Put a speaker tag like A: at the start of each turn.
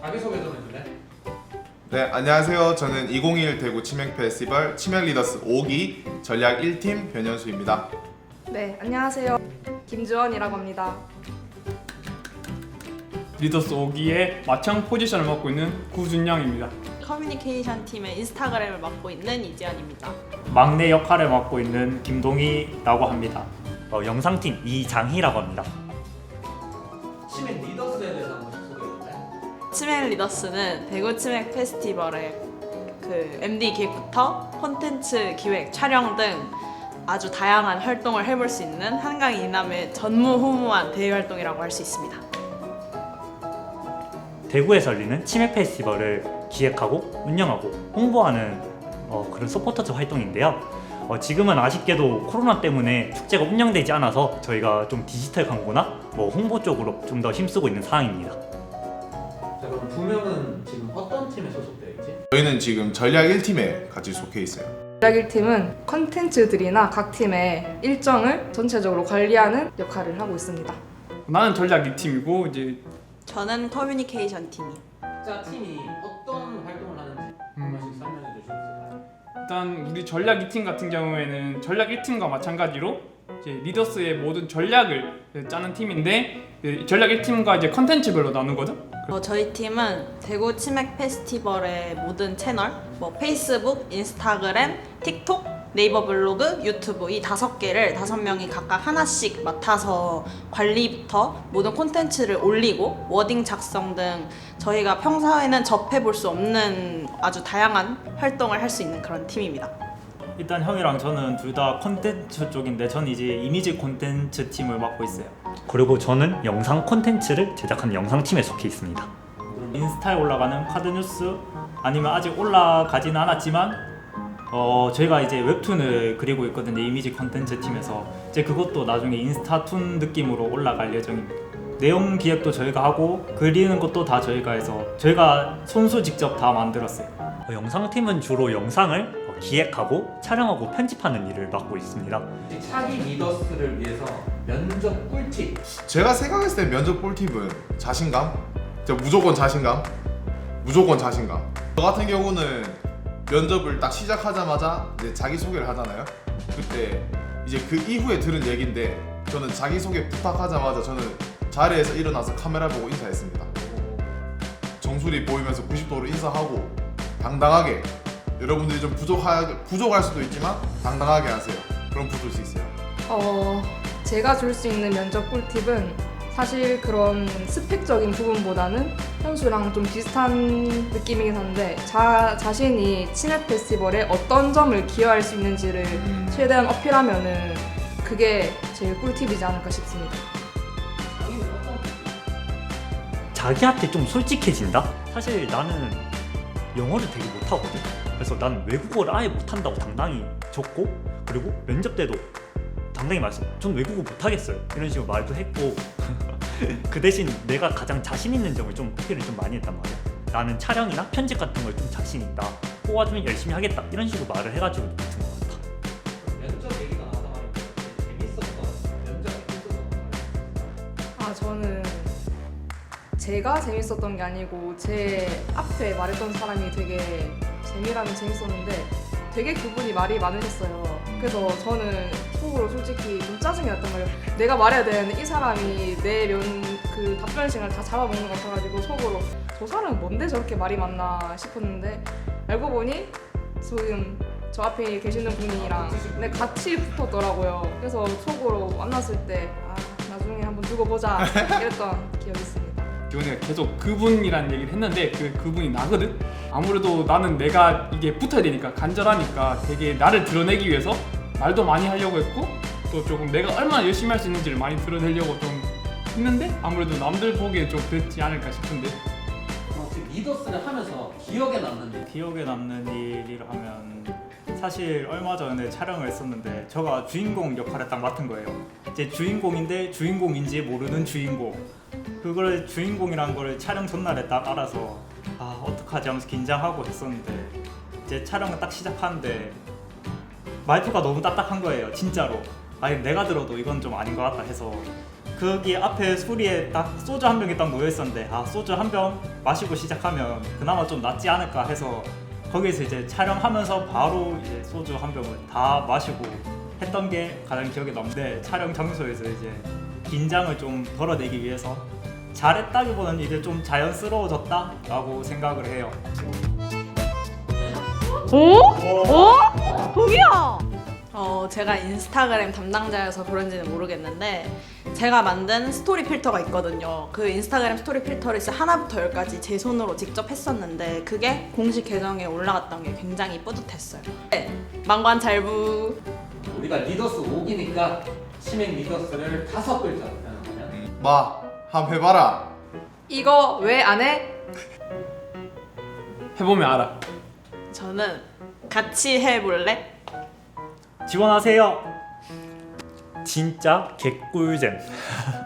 A: 자기소개 좀 해줄래?
B: 네, 안녕하세요. 저는 2021 대구 치맥 페스티벌 치맥 리더스 5기 전략 1팀 변현수입니다.
C: 네, 안녕하세요. 김주원이라고 합니다.
D: 리더스 5기의 마청 포지션을 맡고 있는 구준영입니다.
E: 커뮤니케이션 팀의 인스타그램을 맡고 있는 이지연입니다.
F: 막내 역할을 맡고 있는 김동희라고 합니다. 영상팀 이장희라고 합니다.
A: 치맥 리더스에 대해서 한 번씩 소개해줄래?
E: 치맥 리더스는 대구 치맥 페스티벌의 그 MD 기획부터 콘텐츠 기획, 촬영 등 아주 다양한 활동을 해볼 수 있는 한강 이남의 전무후무한 대외 활동이라고 할 수 있습니다.
F: 대구에서 열리는 치맥 페스티벌을 기획하고 운영하고 홍보하는 그런 서포터즈 활동인데요. 지금은 아쉽게도 코로나 때문에 축제가 운영되지 않아서 저희가 좀 디지털 광고나 홍보 쪽으로 좀 더 힘쓰고 있는 상황입니다.
A: 자, 그럼 두 명은 지금 어떤 팀에 소속되어 있지?
B: 저희는 지금 전략 1팀에 같이 속해 있어요.
C: 전략 1팀은 컨텐츠들이나 각 팀의 일정을 전체적으로 관리하는 역할을 하고 있습니다.
D: 나는 전략 2팀이고 이제
E: 저는 커뮤니케이션 팀이요.
A: 자, 팀이 어떤 활동을 하는지 한 번씩 설명해 줄 수 있을까요?
D: 일단 우리 전략 2팀 같은 경우에는 전략 1팀과 마찬가지로 이제 리더스의 모든 전략을 짜는 팀인데 전략 1팀과 이제 컨텐츠별로 나누거든.
E: 저희 팀은 대구 치맥 페스티벌의 모든 채널, 페이스북, 인스타그램, 틱톡, 네이버 블로그, 유튜브 이 5개를 5명이 각각 하나씩 맡아서 관리부터 모든 콘텐츠를 올리고 워딩 작성 등 저희가 평소에는 접해볼 수 없는 아주 다양한 활동을 할 수 있는 그런 팀입니다.
F: 일단 형이랑 저는 둘 다 콘텐츠 쪽인데 저는 이제 이미지 콘텐츠 팀을 맡고 있어요. 그리고 저는 영상 콘텐츠를 제작하는 영상팀에 속해 있습니다. 인스타에 올라가는 카드 뉴스 아니면 아직 올라가지는 않았지만 저희가 이제 웹툰을 그리고 있거든요. 이미지 콘텐츠 팀에서 이제 그것도 나중에 인스타툰 느낌으로 올라갈 예정입니다. 내용 기획도 저희가 하고 그리는 것도 다 저희가 해서 저희가 손수 직접 다 만들었어요. 영상팀은 주로 영상을 기획하고 촬영하고 편집하는 일을 맡고 있습니다.
A: 차기 리더스를 위해서 면접 꿀팁.
B: 제가 생각했을 때 면접 꿀팁은 자신감? 무조건 자신감? 무조건 자신감. 저 같은 경우는 면접을 딱 시작하자마자 이제 자기소개를 하잖아요. 그때 이제 그 이후에 들은 얘기인데 저는 자기소개 부탁하자마자 저는 자리에서 일어나서 카메라 보고 인사했습니다. 정수리 보이면서 90도로 인사하고 당당하게 여러분들이 좀 부족할 수도 있지만 당당하게 하세요. 그럼 붙을 수 있어요.
C: 제가 줄 수 있는 면접 꿀팁은 사실 그런 스펙적인 부분보다는 현수랑 좀 비슷한 느낌이긴 한데 자신이 치맥 페스티벌에 어떤 점을 기여할 수 있는지를 최대한 어필하면은 그게 제일 꿀팁이지 않을까 싶습니다.
A: 자기는 어떤 꿀팁?
F: 자기한테 좀 솔직해진다? 사실 나는 영어를 되게 못하거든. 그래서 난 외국어를 아예 못한다고 당당히 적고 그리고 면접 때도 당당히 말씀 전 외국어 못하겠어요 이런 식으로 말도 했고 그 대신 내가 가장 자신 있는 점을 좀 어필을 좀 많이 했단 말이야. 나는 촬영이나 편집 같은 걸 좀 자신 있다, 뽑아주면 열심히 하겠다 이런 식으로 말을 해가지고 붙은 것 같아.
A: 면접 얘기가 나와서 말인데 재밌었던 면접 에피소드가
C: 저는 제가 재밌었던 게 아니고 제 앞에 말했던 사람이 되게 재미라면 재밌었는데 되게 그분이 말이 많으셨어요. 그래서 저는 속으로 솔직히 좀 짜증이 났단 말이에요. 내가 말해야 되는데 이 사람이 내 그 답변 시간을 다 잡아먹는 것 같아가지고 속으로 저 사람은 뭔데 저렇게 말이 많나 싶었는데 알고 보니 지금 저 앞에 계시는 분이랑 같이 붙었더라고요. 그래서 속으로 만났을 때 나중에 한번 두고 보자 이랬던 기억이 있습니다.
D: 기원이가 계속 그분이란 얘기를 했는데 그분이 나거든. 아무래도 나는 내가 이게 붙어야 되니까 간절하니까 되게 나를 드러내기 위해서 말도 많이 하려고 했고 또 조금 내가 얼마나 열심히 할 수 있는지를 많이 드러내려고 좀 했는데 아무래도 남들 보기에 좀 그랬지 않을까 싶은데.
A: 지금 리더스를 하면서 기억에 남는 일.
F: 기억에 남는 일이라 하면 사실 얼마 전에 촬영을 했었는데 제가 주인공 역할을 딱 맡은 거예요. 이제 주인공인데 주인공인지 모르는 주인공. 그걸 주인공이란 걸 촬영 전날에 딱 알아서 어떡하지 하면서 긴장하고 했었는데 이제 촬영을 딱 시작하는데 말투가 너무 딱딱한 거예요. 진짜로. 아니 내가 들어도 이건 좀 아닌 것 같다 해서 거기 앞에 수리에 딱 소주 한 병이 딱 놓여 있었는데 아 소주 한 병 마시고 시작하면 그나마 좀 낫지 않을까 해서 거기서 이제 촬영하면서 바로 이제 소주 한 병을 다 마시고 했던 게 가장 기억에 남는데 촬영 장소에서 이제 긴장을 좀 덜어내기 위해서 잘했다기보다는 이제 좀 자연스러워졌다라고 생각을 해요.
E: 제가 인스타그램 담당자여서 그런지는 모르겠는데 제가 만든 스토리 필터가 있거든요. 그 인스타그램 스토리 필터를 진짜 하나부터 열까지 제 손으로 직접 했었는데 그게 공식 계정에 올라갔던 게 굉장히 뿌듯했어요. 네, 망관잘부.
A: 우리가 리더스 5기니까 치맥 리더스를 5글자로 표현하면
B: 마 한번 해봐라.
C: 이거 왜 안 해?
D: 해보면 알아.
E: 저는 같이 해볼래?
F: 지원하세요. 진짜 개꿀잼.